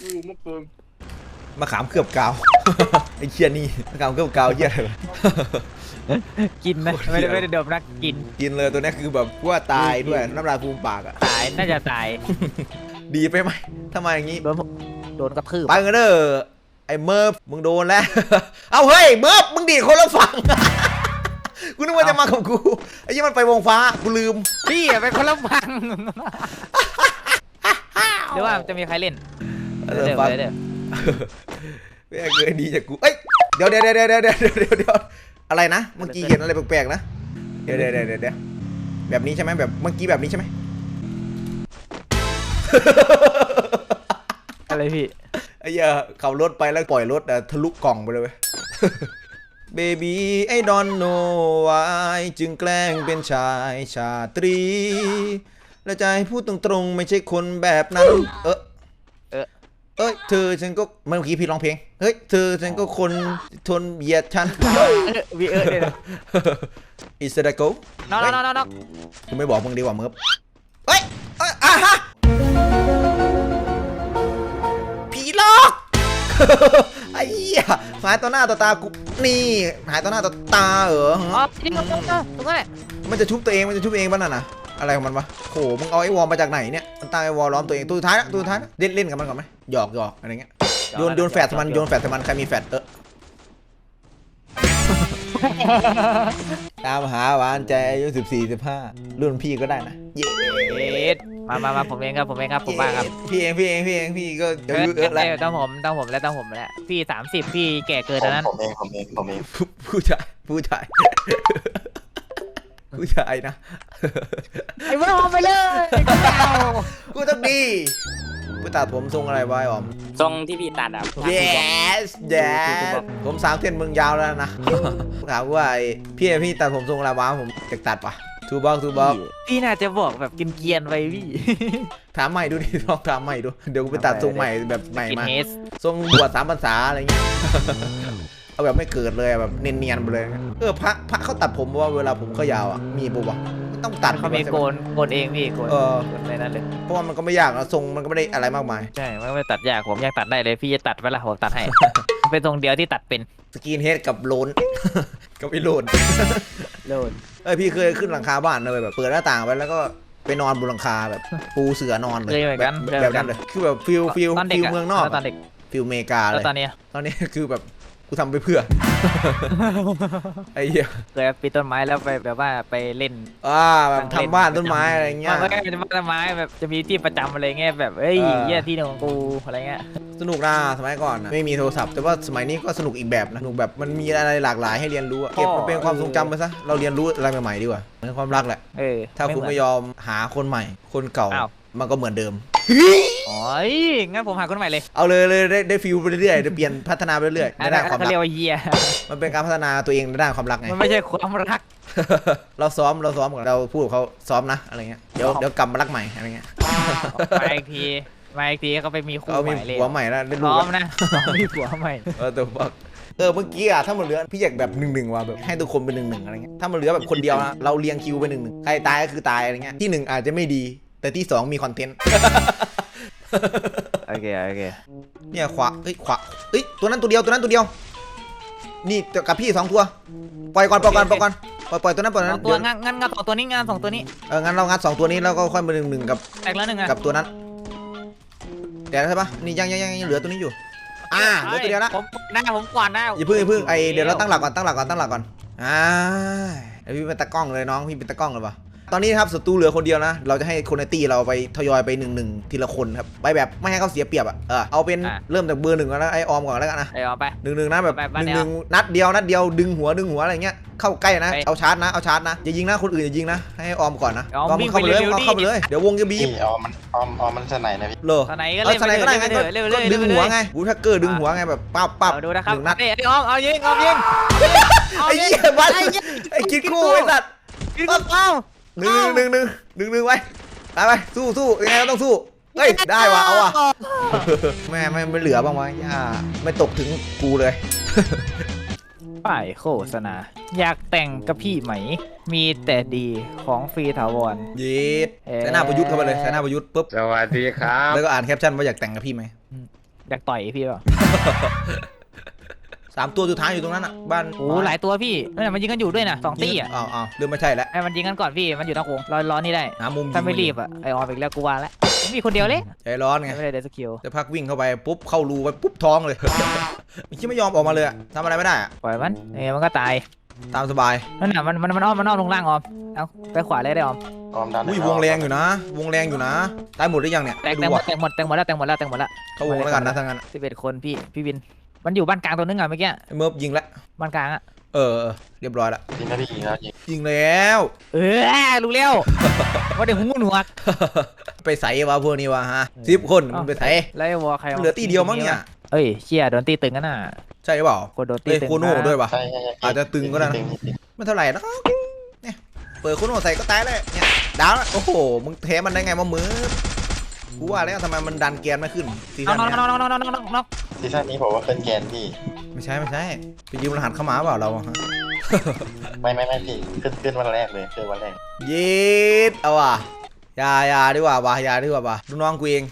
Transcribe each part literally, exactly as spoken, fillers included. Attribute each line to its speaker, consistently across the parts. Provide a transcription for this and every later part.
Speaker 1: รู้เมื่อคืน
Speaker 2: มะขามเคลือบกาวไอ้เชี่ยนี่มะขามเคลือบกาวเชี่ยอะไร
Speaker 3: กินนะไม่ได้ไม่ได้ดมนะกิน
Speaker 2: กินเลยตัวนี้คือแบบว่าตายด้วยน้ำลายฟูมปากอ่ะ
Speaker 3: ตายน่าจะตาย
Speaker 2: ดีไปไหมทำไมอย่างงี้
Speaker 3: โดนโดนกระทืบ
Speaker 2: ไปกันเด้อไอ้เมิร์ฟมึงโดนแล้ว เอาเฮ้ยเมิร์ฟมึงดีดคนละฝั่ง กูนึกว่าจะมากับกูไอ้ยี่มันไปวงฟ้ากูลืม
Speaker 3: พี่อะเป็นคนละฟังหรือว่าจะมีใครเล่น
Speaker 2: เอ
Speaker 3: เดี๋
Speaker 2: อ
Speaker 3: ยว
Speaker 2: ฟัง
Speaker 3: เดี๋ยว
Speaker 2: ไม่เคยดีจากกูเอ้ยเดี๋ยวเดี๋ยวเดี๋ยวเดี๋ยวเดี๋ยวเดี๋ยวเดี๋ยวอะไรนะเมื่อกี้เห็นอะไรแปลกๆนะเดี๋ยวเดี๋ยวเดี๋ยวเดี๋ยวแบบนี้ใช่ไหมแบบเมื่อกี้แบบนี้ใช่ไหม
Speaker 3: อะไรพี่
Speaker 2: ไอ้เหี้ยขับรถไปแล้วปล่อยรถทะลุกล่องไปเลยเว้ย Baby I don't know why จึงแกล้งเป็นชายชาตรีและใจพูดตรงๆไม่ใช่คนแบบนั้นเออ
Speaker 3: เออ
Speaker 2: เอ้ยเธอฉันก็เมื่อกี้พี่ร้องเพลงเฮ้ยเธอฉันก็คนทนเหยียดฉัน
Speaker 3: วีเออเนี่ย
Speaker 2: อิสระโก้
Speaker 3: น้องน้องน้องน้อง
Speaker 2: กูไม่บอกมึงดีกว่าเมิร์ฟเฮ้ยเอ้ยอ่ะฮะผีหลอก ไอ้เหี้ยหายต่อหน้าต่อตากูนี่หายต่อหน้าต่อตาเหรอ
Speaker 3: อ๋อจริงตรงนั้นตรงนั้นแหละ
Speaker 2: มันจะชุบตัวเองมันจะชุบเองป่ะนั่นน่ะอะไรของมันวะโหมึงเอาไอ้วอลมาจากไหนเนี่ยมันตั้งไอ้วอลล้อมตัวเองตัวสุดท้ายนะตัวสุดท้ายนะเล่นเล่นกับมันก่อนไหมหยอกหยอกอะไรเงี้ยโยนโยนแฟดใส่มันโยนแฟดใส่มันใครมีแฟดเออ ตามหาหวานใจอายุสิบสี่สิบห้ารุ่นพี่ก็ได้นะเย้
Speaker 3: เอ็ดมามามาผมเองครับผมเองครับผมบ้างครับ
Speaker 2: พี่เองพี่เองพี่เองพี่ก็อายุเยอะแล้ว
Speaker 3: ต้องผมต้องผมแล้วต้องผมแล้วพี่สามสิบพี่แก่เกินแล้วนั้น
Speaker 1: ผมเองผมเองผมเอง
Speaker 2: ผู้ชายผู้ชายผู้ชายนะ
Speaker 3: ไอ้บ้าไปเลย
Speaker 2: กูต้องดีกูตัดผมทรงอะไรวะไอ้ออม
Speaker 1: ทรงที่พี่ตัดอ่ะ
Speaker 2: yes yes ผมสามเส้นมึงยาวแล้วนะ ถามว่าไอ้พี่พี่ตัดผมทรงอะไรวะผมจะตัดปะทูบ็อกทูบ็อก
Speaker 3: พี่น่าจะบอกแบบกินเกียนๆไว้พี่
Speaker 2: ถามใหม่ดูดิลองถามใหม่ดูเดี๋ยวกูไปตัดทรงใหม่แบบใหม่
Speaker 3: กิน
Speaker 2: มา
Speaker 3: เฮส
Speaker 2: ทรงบวชสามพรรษาอะไรเงี้ย เอาแบบไม่เกิดเลยแบบเนียนๆไปเลยเออพระพระเขาตัดผมว่าเวลาผมเขายาวอ่ะมีปุ๊บวะต้องตัด
Speaker 3: เขามีโกนโกนเองพี่โกน
Speaker 2: เออ
Speaker 3: โกนในนั้นเลย
Speaker 2: เพราะว่ามันก็ไม่ยากนะทรงมันก็ไม่ได้อะไรมากมาย
Speaker 3: ใช่ไม่ไม่ตัดยากผมอยากตัดได้เลยพี่จะตัดไปละผมตัดให้ เป็นทรงเดียวที่ตัดเป็น
Speaker 2: สกินเฮดกับโลน กับไอ้โลน
Speaker 3: โลน
Speaker 2: เอ้ยพี่เคยขึ้นหลังคาบ้านเลยแบบเปิดหน้าต่างไปแล้วก็ไปนอนบนหลังคาแบบปูเสือนอนเลย
Speaker 3: เคยเหมือน
Speaker 2: แบ
Speaker 3: กับ น
Speaker 2: แบบนั้นเลยคือแบบฟิลฟิล
Speaker 3: ตอนเด็ก
Speaker 2: ฟิล
Speaker 3: อะ
Speaker 2: เมืองนอก
Speaker 3: ตอนเด็ก
Speaker 2: ฟิลเมกาเล
Speaker 3: แล้ว
Speaker 2: ย
Speaker 3: ตอนเนี้ย
Speaker 2: ตอนนี้คือแบบกูทำไปเพื่อ ไอ้เหี้ย
Speaker 3: เคยปีนต้นไม้แล้วไปแบบว่าไปเล่น
Speaker 2: อ่าแบบทำบ้านต้นไม้อะไรเงี้ย
Speaker 3: มันก็จะบ้านต้นไม้แบบจะมีที่ประจำอะไรเงี้ยแบบเอ้ย
Speaker 2: เออ
Speaker 3: เยี่ยที่หนึ่งของกูอะไรเงี้ย
Speaker 2: สนุกนะสมัยก่อนนะไม่มีโทรศัพท์แต่ว่าสมัยนี้ก็สนุกอีกแบบนะสนุกแบบมันมีอะไรหลากหลายให้เรียนรู้อะเก็บมันเป็นความทรงจำไปซะเราเรียนรู้อะไรใหม่ๆดีกว่าเหมือนความรักแหละ
Speaker 3: เออ
Speaker 2: ถ้าคุณ
Speaker 3: เห
Speaker 2: ไม่
Speaker 3: น
Speaker 2: ยอมหาคนใหม่ คนเก่า
Speaker 3: อ้าว
Speaker 2: มันก็เหมือนเดิม
Speaker 3: อ๋องั้นผมหาคนใหม่เลย
Speaker 2: เอาเลยเลยได้ได้ฟิลไปเรื่อยๆได้เปลี่ยนพัฒนาไปเรื่อยๆ
Speaker 3: อั
Speaker 2: ใน
Speaker 3: นนั้
Speaker 2: ด้าน นความ
Speaker 3: เขา
Speaker 2: รัก
Speaker 3: เรียกว่าเยีย
Speaker 2: มันเป็นการพัฒนาตัวเองในด้านความรักไง
Speaker 3: มันไม่ใช่ความรัก
Speaker 2: เราซ้อมเราซ้อมกับเราพูดกับเขาซ้อมนะอะไรเงี้ยเดี๋ยวเดี๋ยวกลับมารักใหม่อะไรเงี้ย
Speaker 3: มาอีกทีมาอีกทีเขาไปมีคู่
Speaker 2: เขา
Speaker 3: ให
Speaker 2: มี
Speaker 3: ม่เลย
Speaker 2: ผัวใหม่แล้วได้
Speaker 3: พ
Speaker 2: รู้
Speaker 3: ร้อม
Speaker 2: แล้ว
Speaker 3: นะพร้อมมีผัวใหม่
Speaker 2: เออแต่ว่าเออเมื่อกี้อะถ้ามันเหลือพี่อยากแบบหนึ่งหนึ่งว่ะแบบให้ทุกคนเป็นหนึ่งหนึ่งอะไรเงี้ยถ้ามันเหลือแบบคนเดียวนะเราเรียงคิวไปหนึ่งหนึ่งใครตายก็คือตายอะไรเงี้ยที่หนึ่งอาจจะไม่ดี แต่ที่สองมีคอนเทนต์
Speaker 3: โอเคโอเค
Speaker 2: เนี่ยขวาเอ้ยขวาเอ้ยตัวนั้นตัวเดียวตัวนั้นตัวเดียว นี่กับพี่สองตัวปล่อยก่อนปล่อยก่อนปล่อยก่อนปล่อยปล่อยตัวนั้นปล่อยตัว
Speaker 3: สอ
Speaker 2: นั้
Speaker 3: ง
Speaker 2: น
Speaker 3: ตัว
Speaker 2: เดี๋ยว
Speaker 3: งั้นงั้นงั้นสองตัวนี้งั้นสองตัวนี้
Speaker 2: เอองั้นเรางัดสองตัวนี้แล้วก็ค่อยมาหนึ่งหนึ่งกับ
Speaker 3: แตกแล้วหนึ่งอะ
Speaker 2: กับตัวนั้นเดี๋ยวใช่ปะนี่ยังยังยังยังเหลือตัวนี้อยู่อ่าเหลือตัวเดียวละ
Speaker 3: ผมหน้าผมกวาดหน้า
Speaker 2: อย่าเพิ่งอย่าเพิ่งไอเดี๋ยวเราตั้งหลักก่อนตั้งหลักก่อนตั้งหลักก่อนอ่าไอพี่เป็นตากล้องเลยน้องพี่เป็นตากล้องเลยปะตอนนี้ครับศัตรูเหลือคนเดียวนะเราจะให้คนในตีเราไปทยอยไปหนึ่งหนึ่งทีละคนครับไปแบบไม่ให้เขาเสียเปรียบอ่ะเออเอาเป็นเริ่มจากเบอร์หนึ่งก่อนนะไอออมก่อนแล้วกันนะ
Speaker 3: ไอ้เอาไป
Speaker 2: หนึ่งหนึ่งนะแบบ
Speaker 3: ไป
Speaker 2: ห
Speaker 3: ไป
Speaker 2: นึ่ง
Speaker 3: เดี๋
Speaker 2: ห
Speaker 3: ยว
Speaker 2: นึ่งนัดเดียวนัดเดียวดึงหัวดึงหัวอะไรเงี้ยเข้าใกล้นะ
Speaker 3: ไป
Speaker 2: เอาชาร์จนะเอาชาร์จนะอย่ายิงนะคนอื่นอย่ายิงนะให้ออมก่อนนะ
Speaker 3: ออม
Speaker 2: ออม
Speaker 3: วิ่ง
Speaker 2: เข้าไปเลย
Speaker 3: ไปเร็วๆ
Speaker 2: ออมเข้าไป
Speaker 3: ดิ
Speaker 2: เลยเดี๋ยววงจะบีบ
Speaker 1: พี่ออมมันออมออมมันสนนะพี่
Speaker 2: เหรอ
Speaker 3: ตอนไหนก็
Speaker 2: เออ
Speaker 3: เล่น
Speaker 2: สไนก็ได้ไง
Speaker 3: เรื่อยๆเรื่อยๆ
Speaker 2: ก็
Speaker 3: เรื่อยๆ
Speaker 2: ดึงหัวไงบูทักเกอร์ดึงหัวไงแบบปั๊บปั๊บ
Speaker 3: เอาดูนะครับ
Speaker 2: หนึ่งนัด
Speaker 3: ไอ้ไอ้ออมเอายิงออมยิง
Speaker 2: ไอ้เหี้ยบัสไอ้คิดคู่ไอ้สัตว์
Speaker 3: ยิงเอาเอา
Speaker 2: หนึ่งหนึ่งหนึ่งหนึ่งหนึ่งไว้ไปไปสู้สู้ยังไงก็ต้องสู้เฮ้ยได้ว่ะเอาว่ะแม่ไม่ไม่เหลือบ้างวะย่าไม่ตกถึงกูเลย
Speaker 3: ป้ายโฆษณาอยากแต่งกับพี่ไหม มีแต่ดีของฟรีถาวร
Speaker 2: ยีด
Speaker 3: เอ๊ะ
Speaker 2: ใช้หน้าประยุทธ์เข้าไปเลยใช้หน้าประยุทธ์ปุ๊บ
Speaker 1: สวัสดีครับ
Speaker 2: แล้วก็อ่านแคปชั่นว่าอยากแต่งกับพี่ไหม
Speaker 3: อยากต่อยพี่เปล่า
Speaker 2: สามตัวสุดท้ายอยู่ตรงนั้นอ่ะบ้าน
Speaker 3: โอ้หลายตัวพี่นั่นนะมันยิงกันอยู่ด้วยนะสองตีอ่ะ
Speaker 2: อ้าวอ้าวเริ่มไม่ใช่แล้ว
Speaker 3: ไอ้มันยิงกันก่อนพี่มันอยู่นอกวงรอรอนี่ได้
Speaker 2: หามุม
Speaker 3: ถ้าไม่รีบอ่ะไอออมอีกแล้วกูว่าแล้วมีคนเดียวเลย
Speaker 2: ใจร้อนไง
Speaker 3: ไม่ได้เดสกิล
Speaker 2: จะพักวิ่งเข้าไปปุ๊บเข้ารูไปปุ๊บท้องเลย มันคิดไม่ยอมออกมาเลยอะทำอะไรไม่ได้อะ
Speaker 3: ปล่อยมันเอ้มันก็ตาย
Speaker 2: ตามสบาย
Speaker 3: นั่นน่ะมันมันมันอ้อมมันอ้อมลงล่างออมเอาไปขวาเลยได้ออม
Speaker 1: ออมดัน
Speaker 2: อุ้ยวงแรงอยู่นะ วงแรงอยู่นะตายหมดหรือยังเนี่ย
Speaker 3: แตก
Speaker 2: ไม่
Speaker 3: แตก
Speaker 2: รู้
Speaker 3: หมด
Speaker 2: อะ
Speaker 3: แตกหมดแตกหมดแล้วแตกหมดแล้วแตกหมดแล้ว
Speaker 2: เข้าวงแล้วกันนะทั้งนั้นอะ
Speaker 3: สิบเอ็ดคนพี่พี่วินมันอยู่บ้านกลางตัวนึงอ่ะเมื่อกี้
Speaker 2: ไอ้เมิร์ฟยิงแล้ว
Speaker 3: บ้านกลางอ่ะ
Speaker 2: เออเออเรียบร้อยละ
Speaker 1: ยิงนะพี่ยิงแล้วยิง
Speaker 2: ยิงแล้ว
Speaker 3: เออรู้แล้วว่าเดี๋ยวหูหนวก
Speaker 2: ไปใส่วะพวกนี้วะฮะสิบคนมันไปใส่
Speaker 3: แล้วไอ้วอใคร
Speaker 2: เหลือตีเดียวมั้งเนี่ย
Speaker 3: เอ้ยเชี่ยโดนตีตึงกันน่ะ
Speaker 2: ใช่หรือเปล่า
Speaker 3: คนโดนตี
Speaker 2: เอ้ย
Speaker 3: ตึง
Speaker 2: โคโน่ด้วยปะ
Speaker 1: ใช่ใช่ใช่
Speaker 2: อาจจะตึงก็ได้นะ
Speaker 1: ตึตึง
Speaker 2: ไม่เท่าไหร่นะเนี่ยเปิดโคโน่ใส่ก็ตายเลยเนี่ยดาวแล้วโอ้โหมึงเทมันได้ไงมามือกูว่าแล้วทำไมมันดันเกียร์ไม่ขึ้นซี
Speaker 3: น้อ
Speaker 2: ซั่
Speaker 3: ง
Speaker 2: น
Speaker 3: น้อง
Speaker 2: เนี้ย
Speaker 3: น้องน้องน้องน้องน้อง
Speaker 1: ซีซั่นนี้ผมว่าขึ้นแกนพี่
Speaker 2: ไม่ใช่ไม่ใช่ไปยืมรหัสเข้ามาเปล่าเราอะฮะ
Speaker 1: ไม่ไม่ไม่พี่ขึ้นขึ้นวันแรกเลยขึ้นวันแรก
Speaker 2: เย็ดเอาว่ะอยาอยาดีกว่าว่ะอยาดีกว่าว่ะดูน้องกูเอง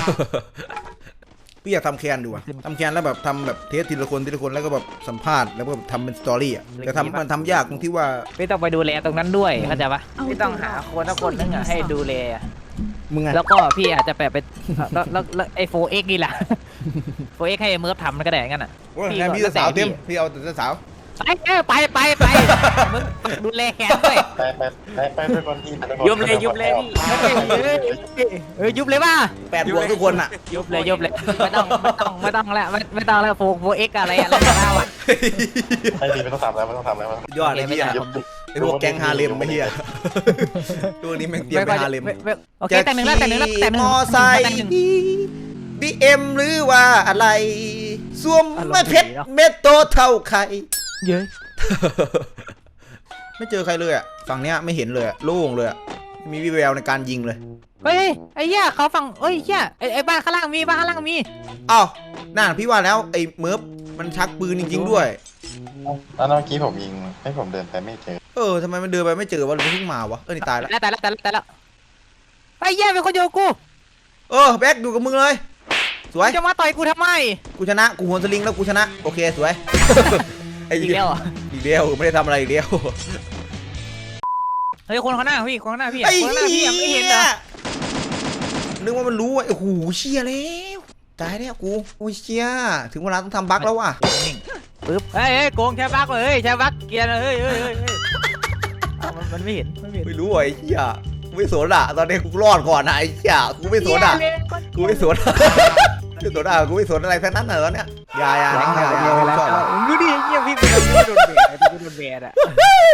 Speaker 2: พี่อยากทำแคนดูอะทำแคนแล้วแบบทำแบบเทสทีละคนทีละคนแล้วก็แบบสัมภาษณ์แล้วก็แบบทำเป็นสตอรี่อะแต่ทำมันทำยากตรงที่ว่า
Speaker 3: ไม่ต้องไปดูแลตรงนั้นด้วยเข้าใจปะไม่ต้องหาคนสักคนนึงอ่ะให้ดูแล
Speaker 2: มึงไง
Speaker 3: แล้วก็พี่อาจจะแบบไปแล้วแล้วแล้วไอ้โฟเอ็กนี่แหละ โฟเอ็กให้เมิร์ฟทำมันก็ได้งั้นอ่ะ
Speaker 2: โอ้ยแค่พี่สาวเต็มพี่เอาแต่สาว
Speaker 3: ไปเออไปไปไปมึงดูแลแขนด้วย
Speaker 1: ไปไปไปไปไปคนที่
Speaker 3: ยุบเลยยุบเลยพี่เออยุบเลยป่ะ
Speaker 2: แปดบวกทุกคนอะ
Speaker 3: ยุบเลยยุบเลยไม่ต้องไม่ต้องไม่ต้องแล้วไม่ไม่ต้องแล้วโฟโฟเอ็กอะไรอะไรก็ได้ว่ะ
Speaker 1: ไม่ดีไม่ต้องทำแล้วไม่ต้องทำแล้ว
Speaker 2: ยอดเลยพี่อะ
Speaker 1: ยุบยุบ
Speaker 2: ไอพวกแก๊งฮาเลมไม่เฮียตัวนี้แม่งเตรียมไปฮาเลม
Speaker 3: โอเคแต่หนึ่งแล้วแต่หนึ่งแล้วแต่หนึ่ง
Speaker 2: มอไซค์บีเอ็มหรือว่าอะไรสวมไม่เพชรเม็ดโตเท่าใคร
Speaker 3: เยอะ
Speaker 2: ไม่เจอใครเลยอ่ะฝั่งเนี้ยไม่เห็นเลยอะโล่งเลยอะไม่มีวิแววในการยิงเลย
Speaker 3: เฮ้ยไอ้เหี้ยเขาฝั่งเฮ้ยเหี้ยไอ้ไอ้บ้านข้างล่างมีบ้านข้างล่างมี
Speaker 2: อ้าวนั่นพี่ว่าแล้วไอ้เมิร์ฟมันชักปืนจริงๆด้วย
Speaker 1: แล้วเมื่อกี้ผมยิงให้ผมเดินไปไม่เจอ
Speaker 2: เออทำไมมันเดินไปไม่เจอวะหรือมันเพิ่งมาวะเออนี่ตายแล้ว
Speaker 3: แล้วแต่แล้วแต่แล้วแต่แล้วไอ้เหี้ยเป็นคนโยกู
Speaker 2: เออแบ็คอยู่กับมึงเลยสวย
Speaker 3: จะมาต่อยกูทำไม
Speaker 2: กูชนะกูหัวสลิงแล้วกูชนะโอเคสวย ไอ้
Speaker 3: อีกแล้วอ่ะ
Speaker 2: อีกเดียวไม่ได้ทำอะไรอีกเดียว
Speaker 3: เฮ้ยคนข้างหน้าพี่คนข้างหน้าพี่
Speaker 2: ไอ้
Speaker 3: คนข้างหน้าพี่
Speaker 2: เหี้
Speaker 3: ไม่เห็นเหรอย
Speaker 2: นึกว่ามันรู้ว่าไอ้หูเชี่ยแล้วตายแล้วกูโอ้ยเชี่ยถึงเวลาต้องทำบั๊กแล้วว่ะ
Speaker 3: นิ่งปึ๊บเฮ้ยเฮ้ยโกงใช้บักเลยเฮ้ยใช้บักเกียร์เลยเฮ้ยเฮ้ยเฮ้ยเฮ้ยอ้าวมันมันไม่เห็นไม่เห็น
Speaker 2: ไม่รู้ไอ้เชี่ยกูไม่สนอ่ะตอนนี้กูรอดก่อนนะไอ้เชี่ยกูไม่สนอ่ะกูไม่สนกูสนอ่ะกูไม่สนอะไรทั้งนั้นเลยตอนเนี้ยอย่าอย่า
Speaker 3: แรง
Speaker 2: อย่าอย่า
Speaker 3: เดียว
Speaker 2: ไม่
Speaker 3: แล้ว
Speaker 2: ชอบอ่ะ
Speaker 3: ดูดิเงี้ยพี่เป็นโดนแบดพี่โดนแบดอ่ะ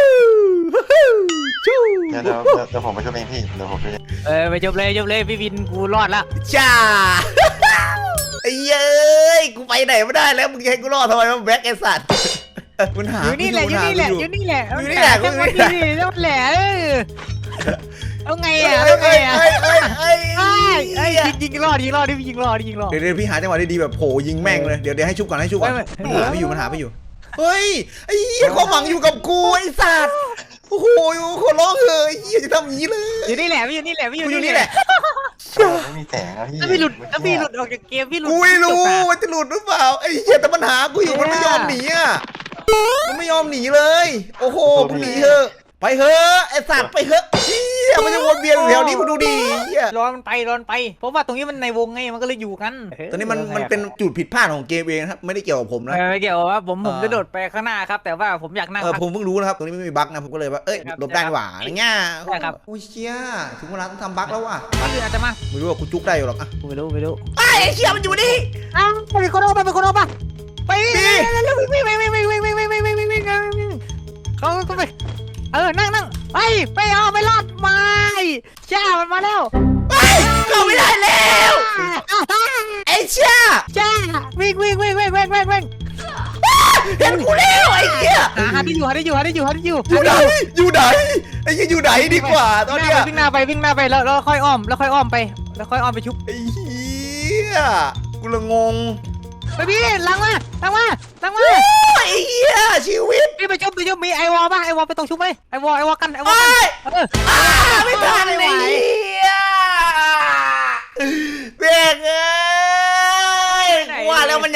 Speaker 2: ชู้
Speaker 1: เดี๋ยวเดี๋ยวเดี๋ยวผมไปช่วยเองพี่เดี๋ยวผมไป
Speaker 3: เออไปจบเลยจบเลยพี่วินกูรอดละ
Speaker 2: จ้าไอ้เย้ยกูไปไหนไม่ได้แล้วมึงจะให้กูรอดทำไมวะแบ็คไอ้สัตว์มันหา
Speaker 3: อยู่นี่แหละอยู่นี่แหละอยู่นี่แหละ
Speaker 2: อยู่นี่แหละ
Speaker 3: จังหวะ
Speaker 2: อยู่นี่
Speaker 3: นี้
Speaker 2: แหละ
Speaker 3: จังหวะแหละเออเอาไง
Speaker 2: เอ้
Speaker 3: อ่ะ
Speaker 2: ย
Speaker 3: เอาไง
Speaker 2: เอ้ย
Speaker 3: อ่ะ
Speaker 2: เอ้ยเอ้ยเอ้ย
Speaker 3: ไอ้ไอ้ยิงยิงรอดยิงรอดดิยิงรอดยิงรอด
Speaker 2: เดี๋ยวเดี๋ยวพี่หาจังหวะดีๆแบบโผล่ยิงแม่งเลยเดี๋ยวเดี๋ยวให้ชุบก่อนให้ชุบก่อน
Speaker 3: ไม่
Speaker 2: มัน
Speaker 3: ไม่
Speaker 2: หาไม่อยู่มันหาไม่อยู่เฮ้ยไอ้เหี้ยความหวังอยู่กับกูไอ้สัตว์โอ้โหขอร้องเถอะไอ้เหี้ยจะทำอย่างนี้เลย
Speaker 3: อยู่นี่แหละพี่อยู่นี่แหละพี่อ
Speaker 2: กู
Speaker 3: ยู่
Speaker 2: อยู่
Speaker 3: นี่
Speaker 2: นี่
Speaker 3: แห
Speaker 2: แห
Speaker 3: ละ
Speaker 2: ละ
Speaker 1: ไม่มีแสงอะพี่
Speaker 3: ถ้าพี่หลุดถ้าพี่หลุดออกจากเกมพี่หลุด
Speaker 2: กูไม่รู้ว่าจะหลุดหรือเปล่าไอ้เหี้ยแต่มันหากูอยู่มันไม่ยอมหนีอ่ะมันไม่ยอมหนีเลย โอ้โหมึงหนีเถอะไปเถอะไอ้สัตว์ไปเถอะเหี้ยมันจะวนเวียนอยู่แถวนี้มึงดูดิเหี้ย
Speaker 3: ร้อนมันไปร้อนไปเพราะว่าตรงนี้มันในวงไงมันก็เลยอยู่กัน
Speaker 2: ตอนนี้มันมันเป็นจุดผิดพลาดของเกมเองครับไม่ได้เกี่ยวกับผมนะ
Speaker 3: ไม่เกี่ยวว่าผมผม
Speaker 2: เออ
Speaker 3: จะโดดไปข้างหน้าครับ แต่ว่าผมอยากนั่ง
Speaker 2: เออ
Speaker 3: พัก
Speaker 2: ผมเพิ่งรู้นะครับตรงนี้ไม่มีบั๊กนะผมก็เลยว่าเอ้ย
Speaker 3: ครับ
Speaker 2: หลบได้นี่หว่าอะไรเงี้ย
Speaker 3: ใช่ครับ
Speaker 2: โอ้ยเชี่ยถึงเวลาต้องทำบั๊กแล้วว่ะ
Speaker 3: คนอื่นอาจจะมา
Speaker 2: ไม่รู้ว่ากูจุกได้อยู่หรอกอ่ะ
Speaker 3: ไม่รู้ไม่รู้
Speaker 2: ไอ้เชี่ยมันอยู่นี่
Speaker 3: อ้าวไปคนออกไปไปคนออกไปไป
Speaker 2: พี่
Speaker 3: เร็วๆวิ่งวิ่งวิ่งวิ่งวิ่งวิ่งวิ่งวิ่งวิ่งวิ่งวิ่งวิ่งเขาก็ไปเออนั่งนั่งไปไปเอาไม่รอดไม่จ้ามันมาแล้ว
Speaker 2: เฮ้ยเข้าไม่ได้แล้วไอ้เชี่ย
Speaker 3: จ้าวิ่งวิ่งวิ่งวิ่งวิ่งวิ่งวิ่ง
Speaker 2: เห็นกูแล้วไอ้เชี่ย
Speaker 3: หาที่อยู่หาที่อยู่หาที่อยู่หาที่อยู่
Speaker 2: อยู่ไหนอยู่ไหนไอ้เชี่ยอยู่ไหนดีกว่าตอนเนี้ย
Speaker 3: วิ่งหน้าไปวิ่งหน้าไปแล้วแล้วค่อยอ้อมแล้วค่อยอ้อมไปแล้วค่อยอ้อมไปชุบ
Speaker 2: ไอ้เหี้ยกูละงง
Speaker 3: ไปพี่ลังมาลังมาลังมา
Speaker 2: ไอ้เหี้ยชีวิต
Speaker 3: พี่ไปชุบไปชุบมีไอวอลป่ะไอวอลไปตรงชุบไหมไอวอลไอวอลกันไอวอล
Speaker 2: ไอ้
Speaker 3: กันเออ
Speaker 2: อ้าไม่ทันเลยเหี้ยเบรกเอ้ยกู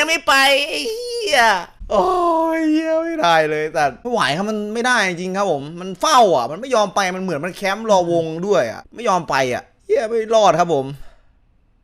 Speaker 2: ยังไม่ไปไอ้เหี้ยโอ้ยเหี้ยไม่ได้เลยแต่ไม่ไหวครับมันไม่ได้จริงครับผมมันเฝ้าอ่ะมันไม่ยอมไปมันเหมือนมันแคมป์รอวงด้วยอ่ะไม่ยอมไปอ่ะเหี้ยไม่รอดครับผม